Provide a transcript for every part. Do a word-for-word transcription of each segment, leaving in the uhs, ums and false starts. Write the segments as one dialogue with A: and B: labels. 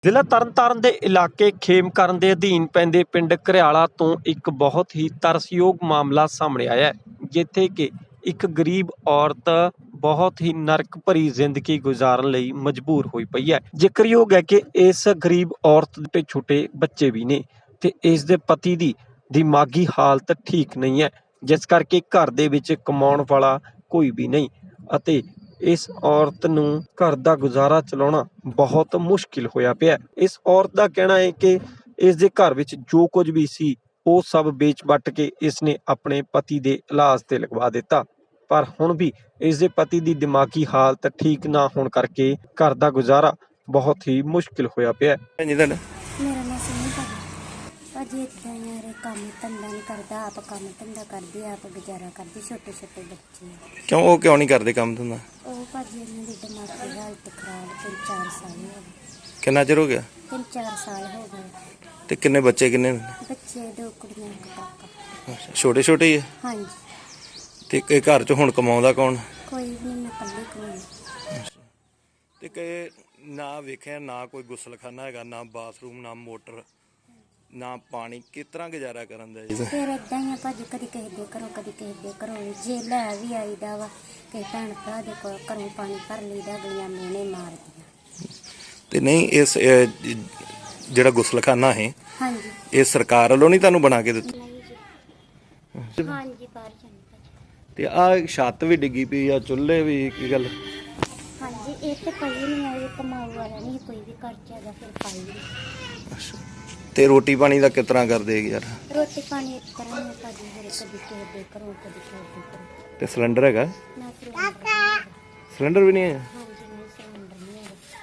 A: ਜ਼ਿਲ੍ਹਾ ਤਰਨਤਾਰਨ ਦੇ ਇਲਾਕੇ ਖੇਮਕਰਨ ਦੇ ਅਧੀਨ ਪੈਂਦੇ ਪਿੰਡ ਘਰਿਆਲਾ ਤੋਂ ਇੱਕ ਬਹੁਤ ਹੀ ਤਰਸਯੋਗ ਮਾਮਲਾ ਸਾਹਮਣੇ ਆਇਆ ਹੈ, ਜਿੱਥੇ ਕਿ ਇੱਕ ਗਰੀਬ ਔਰਤ ਬਹੁਤ ਹੀ ਨਰਕ ਭਰੀ ਜ਼ਿੰਦਗੀ ਗੁਜ਼ਾਰਨ ਲਈ ਮਜਬੂਰ ਹੋਈ ਪਈ ਹੈ। ਜ਼ਿਕਰਯੋਗ ਹੈ ਕਿ ਇਸ ਗਰੀਬ ਔਰਤ ਦੇ ਛੋਟੇ ਬੱਚੇ ਵੀ ਨੇ ਤੇ ਇਸ ਦੇ ਪਤੀ ਦੀ ਦਿਮਾਗੀ ਹਾਲਤ ਠੀਕ ਨਹੀਂ ਹੈ, ਜਿਸ ਕਰਕੇ ਘਰ ਦੇ ਵਿੱਚ ਕਮਾਉਣ ਵਾਲਾ ਕੋਈ ਵੀ ਨਹੀਂ ਅਤੇ ਇਸ ਔਰਤ ਨੂੰ ਘਰ ਦਾ ਗੁਜ਼ਾਰਾ ਚਲਾਉਣਾ ਬਹੁਤ ਮੁਸ਼ਕਿਲ ਹੋਇਆ ਪਿਆ। ਇਸ ਔਰਤ ਦਾ ਕਹਿਣਾ ਹੈ ਕਿ ਇਸ ਦੇ ਘਰ ਵਿੱਚ ਜੋ ਕੁਝ ਵੀ ਸੀ ਉਹ ਸਭ ਵੇਚ ਵੱਟ ਕੇ ਇਸ ਨੇ ਆਪਣੇ ਪਤੀ ਦੇ ਇਲਾਜ ਤੇ ਲਗਵਾ ਦਿੱਤਾ, ਪਰ ਹੁਣ ਵੀ ਇਸ ਦੇ ਪਤੀ ਦੀ ਦਿਮਾਗੀ ਹਾਲਤ ਠੀਕ ਨਾ ਹੋਣ ਕਰਕੇ ਘਰ ਦਾ ਗੁਜ਼ਾਰਾ ਬਹੁਤ ਹੀ ਮੁਸ਼ਕਿਲ ਹੋਇਆ ਪਿਆ।
B: ਮੇਰਾ ਨਾਮ ਸੁਣੀ ਭਾਜੀ ਇੱਦਾਂ ਯਾਰ ਕੰਮ ਧੰਦਾ ਨਹੀਂ ਕਰਦਾ, ਆਪ ਕੰਮ ਧੰਦਾ ਕਰਦੇ, ਆਪ ਗੁਜ਼ਾਰਾ ਕਰਦੇ, ਛੋਟੇ ਛੋਟੇ ਬੱਚੇ।
C: ਕਿਉਂ ਉਹ ਕਿਉਂ ਨਹੀਂ ਕਰਦੇ ਕੰਮ ਧੰਦਾ?
B: ਉਹ ਭਾਜੀ ਇਹਨਾਂ ਦੀ ਦਿਮਾਗੀ ਹਾਲਤ ਖਰਾਬ, ਤਿੰਨ ਚਾਰ ਸਾਲ ਹੋ ਗਏ।
C: ਕਿੰਨਾ ਚਿਰ ਹੋ ਗਿਆ?
B: ਤਿੰਨ ਚਾਰ ਸਾਲ ਹੋ ਗਏ।
C: ਤੇ ਕਿੰਨੇ ਬੱਚੇ ਕਿੰਨੇ ਨੇ?
B: ਬੱਚੇ ਦੋ ਕੁੜੀਆਂ ਇੱਕ ਕਾਕਾ।
C: ਅੱਛਾ, ਛੋਟੇ ਛੋਟੇ ਹੀ ਆ?
B: ਹਾਂਜੀ।
C: ਤੇ ਇਹ ਘਰ 'ਚ ਹੁਣ ਕਮਾਉਂਦਾ ਕੌਣ?
B: ਕੋਈ ਨਹੀਂ, ਮੈਂ ਇਕੱਲੀ ਕੋਈ।
C: ਤੇ ਕਿ ਨਾ ਵੇਖਿਆ ਨਾ ਕੋਈ ਗੁਸਲਖਾਨਾ ਹੈਗਾ, ਨਾ ਬਾਥਰੂਮ, ਨਾ ਮੋਟਰ, ਨਾ ਪਾਣੀ, ਕਿਸ ਤਰ੍ਹਾਂ ਗੁਜ਼ਾਰਾ ਕਰਨ ਦਾ ਜੀ?
B: ਫਿਰ ਏਦਾਂ ਹੀ ਆ ਭਾਜੀ, ਕਦੀ ਕਿਸੇ ਦੇ ਘਰੋਂ ਕਦੀ ਕਿਸੇ ਦੇ ਘਰੋਂ ਜੇ ਲੈ ਵੀ ਆਈਦਾ ਵਾ, ਕਿਸੇ ਭੈਣ ਭਰਾ ਦੇ ਕੋਲ ਘਰੋਂ ਪਾਣੀ ਭਰ ਲਈਦਾ, ਅਗਲੀਆਂ ਮਿਹਣੇ ਮਾਰਦੀਆਂ।
C: ਤੇ ਨਹੀਂ ਇਸ ਇਹ ਜਿਹੜਾ ਗੁਸਲਖਾਨਾ ਹੈ
B: ਹਾਂਜੀ,
C: ਇਹ ਸਰਕਾਰ ਵੱਲੋਂ ਨਹੀਂ ਤੁਹਾਨੂੰ ਬਣਾ ਕੇ ਦਿੱਤਾ?
B: ਹਾਂਜੀ ਬਾਹਰ ਜਾਂਦੇ।
C: ਤੇ ਆਹ ਛੱਤ ਵੀ ਡਿੱਗੀ ਪਈ ਆ, ਚੁੱਲ੍ਹੇ ਵੀ, ਕੀ ਗੱਲ?
B: ਹਾਂਜੀ, ਇਹ ਤੇ ਕੋਈ ਨਹੀਂ ਆਏ, ਕਮਾਉ ਵਾਲਾ ਨਹੀਂ ਕੋਈ ਵੀ ਘਰ ਚ ਹੈਗਾ, ਫਿਰ ਪਾਈ ਨਹੀਂ।
C: ਅੱਛਾ, ਤੇ ਰੋਟੀ ਪਾਣੀ ਦਾ ਕਿਸ ਤਰ੍ਹਾਂ ਕਰਦੇ ਯਾਰ?
B: ਰੋਟੀ ਪਾਣੀ ਇੱਕ ਤਰ੍ਹਾਂ ਨਾਲ ਭਾਜੀ, ਫਿਰ ਕਦੀ ਕਿਸੇ ਦੇ ਘਰੋਂ ਕਦੀ ਕਿਸੇ ਦੇ ਘਰੋਂ।
C: ਤੇ ਸਿਲੰਡਰ ਹੈਗਾ?
B: ਨਾ ਸਿਲੰਡਰ।
C: ਸਿਲੰਡਰ ਵੀ ਨਹੀਂ ਹੈ?
B: ਹਾਂਜੀ, ਨਹੀਂ ਸਿਲੰਡਰ ਨਹੀਂ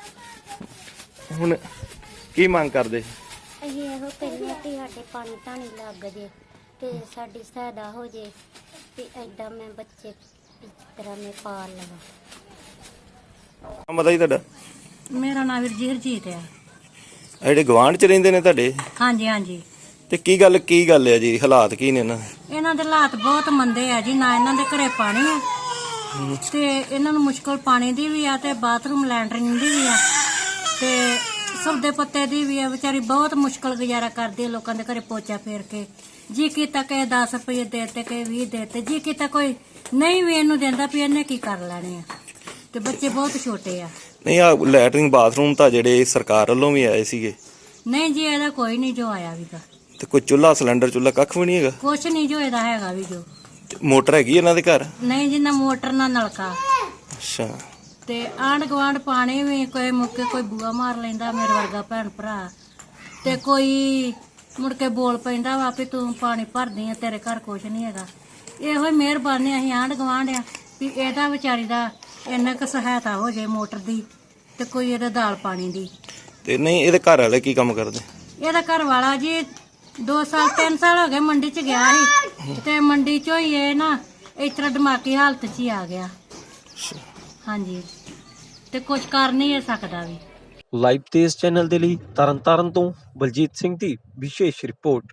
B: ਹੈਗਾ।
C: ਹੁਣ ਕੀ ਮੰਗ ਕਰਦੇ?
B: ਅਸੀਂ ਇਹੋ ਕਹਿੰਦੇ ਕਿ ਸਾਡੇ ਪਾਣੀ ਧਾਣੀ ਲੱਗ ਜੇ ਤੇ ਸਾਡੀ ਸਹਾਇਤਾ ਹੋ ਜੇ ਤੇ ਏਦਾਂ ਮੈਂ ਬੱਚੇ ਇਸ ਤਰ੍ਹਾਂ ਮੈਂ ਪਾਲ ਲਵਾਂ।
C: ਮਤਾ ਜੀ ਤੁਹਾਡਾ?
D: ਮੇਰਾ ਨਾਮ ਵੀਰ ਜੀ ਹਰਜੀਤ ਆ।
C: ਆ ਜਿਹੜੇ ਗਵਾਂਢ ਚ ਰਹਿੰਦੇ ਨੇ ਤੁਹਾਡੇ?
D: ਹਾਂਜੀ ਹਾਂਜੀ।
C: ਤੇ ਕੀ ਗੱਲ ਕੀ ਗੱਲ ਹੈ ਜੀ, ਹਾਲਾਤ ਕੀ ਨੇ ਇਹਨਾਂ ਦੇ?
D: ਇਹਨਾਂ ਦੇ ਹਾਲਾਤ ਬਹੁਤ ਮੰਦੇ ਆ ਜੀ, ਨਾ ਇਹਨਾਂ ਦੇ ਘਰੇ ਪਾਣੀ ਆ ਤੇ ਇਹਨਾਂ ਨੂੰ ਮੁਸ਼ਕਲ ਪਾਣੀ ਦੀ ਵੀ ਆ ਤੇ ਬਾਥਰੂਮ ਲੈਂਟਰਿੰਗ ਦੀ ਵੀ ਆ ਤੇ ਸੌਦੇ ਪੱਤੇ ਦੀ ਵੀ ਆ। ਵਿਚਾਰੀ ਬਹੁਤ ਮੁਸ਼ਕਲ ਗੁਜ਼ਾਰਾ ਕਰਦੀ ਆ, ਲੋਕਾਂ ਦੇ ਘਰੇ ਪੋਚਾ ਫੇਰ ਕੇ। ਜੀ ਕੀਤਾ ਕਿ ਦਸ ਰੁਪਏ ਦੇ ਤੇ ਕਿ ਵੀਹ ਦੇ ਤੇ, ਜੀ ਕੀਤਾ ਕੋਈ ਨਹੀਂ ਵੀ ਇਹਨੂੰ ਦਿੰਦਾ ਵੀ ਇਹਨੇ ਕੀ ਕਰ ਲੈਣੇ ਆ। ਤੇ ਬੱਚੇ ਬਹੁਤ ਛੋਟੇ ਆ।
C: ਨਹੀਂ ਆ ਲੈਟਰਿੰਗ ਬਾਥਰੂਮ ਤਾਂ ਜਿਹੜੇ ਸਰਕਾਰ ਵੱਲੋਂ ਵੀ ਆਏ ਸੀਗੇ?
D: ਨਹੀਂ ਜੀ, ਇਹਦਾ ਕੋਈ ਨਹੀਂ ਜੋ ਆਇਆ ਵੀਗਾ।
C: ਤੇ ਕੋਈ ਚੁੱਲ੍ਹਾ ਸਿਲੰਡਰ ਚੁੱਲ੍ਹਾ ਕੱਖ ਵੀ ਨਹੀਂ ਹੈਗਾ?
D: ਕੁਛ ਨਹੀਂ ਜੋ ਇਹਦਾ ਹੈਗਾ ਵੀ ਜੋ।
C: ਤੇ ਮੋਟਰ ਹੈਗੀ ਇਹਨਾਂ ਦੇ ਘਰ?
D: ਨਹੀਂ ਜੀ, ਨਾ ਮੋਟਰ ਨਾ ਨਲਕਾ।
C: ਅੱਛਾ।
D: ਤੇ ਆਂਢ ਗੁਆਂਢ ਪਾਣੀ ਵੀ ਕੋਈ ਮੁੱਕੇ ਕੋਈ ਬੂਆ ਮਾਰ ਲੈਂਦਾ, ਮੇਰੇ ਵਰਗਾ ਭੈਣ ਭਰਾ, ਤੇ ਕੋਈ ਮੁੜ ਕੇ ਬੋਲ ਪੈਂਦਾ ਵਾ ਵੀ ਤੂੰ ਪਾਣੀ ਭਰਦੀ ਆ, ਤੇਰੇ ਘਰ ਕੁਛ ਨਹੀਂ ਹੈਗਾ। ਇਹੋ ਹੀ ਮਿਹਰਬਾਨੀ ਅਸੀਂ ਆਂਢ ਗੁਆਂਢ ਆ ਵੀ ਇਹਦਾ ਵਿਚਾਰੀ ਦਾ ਇੰਨਾ ਕੁ ਸਹਾਇਤਾ ਹੋ ਜਾਏ ਮੋਟਰ ਦੀ ਤੇ ਕੋਈ ਇਹਦਾ ਦਾਲ ਪਾਣੀ ਦੀ। ਤੇ
C: ਨਹੀਂ ਇਹਦੇ ਘਰ ਵਾਲੇ ਕੀ ਕੰਮ ਕਰਦੇ?
D: ਇਹਦਾ ਘਰ ਵਾਲਾ ਜੀ ਦੋ ਸਾਲ ਤਿੰਨ ਸਾਲ ਹੋ ਗਏ ਮੰਡੀ 'ਚ ਗਿਆ ਸੀ ਤੇ ਮੰਡੀ 'ਚੋਂ ਹੀ ਇਹ ਨਾ ਇਸ ਤਰ੍ਹਾਂ ਦਿਮਾਗੀ ਹਾਲਤ 'ਚ ਹੀ ਆ ਗਿਆ। ਹਾਂਜੀ, ਤੇ ਕੁਝ ਕਰ ਨਹੀਂ ਇਹ ਸਕਦਾ ਵੀ।
A: ਲਾਈਵ ਤੇਜ਼ ਚੈਨਲ ਦੇ ਲਈ ਤਰਨਤਾਰਨ ਤੋਂ ਬਲਜੀਤ ਸਿੰਘ ਦੀ ਵਿਸ਼ੇਸ਼ ਰਿਪੋਰਟ।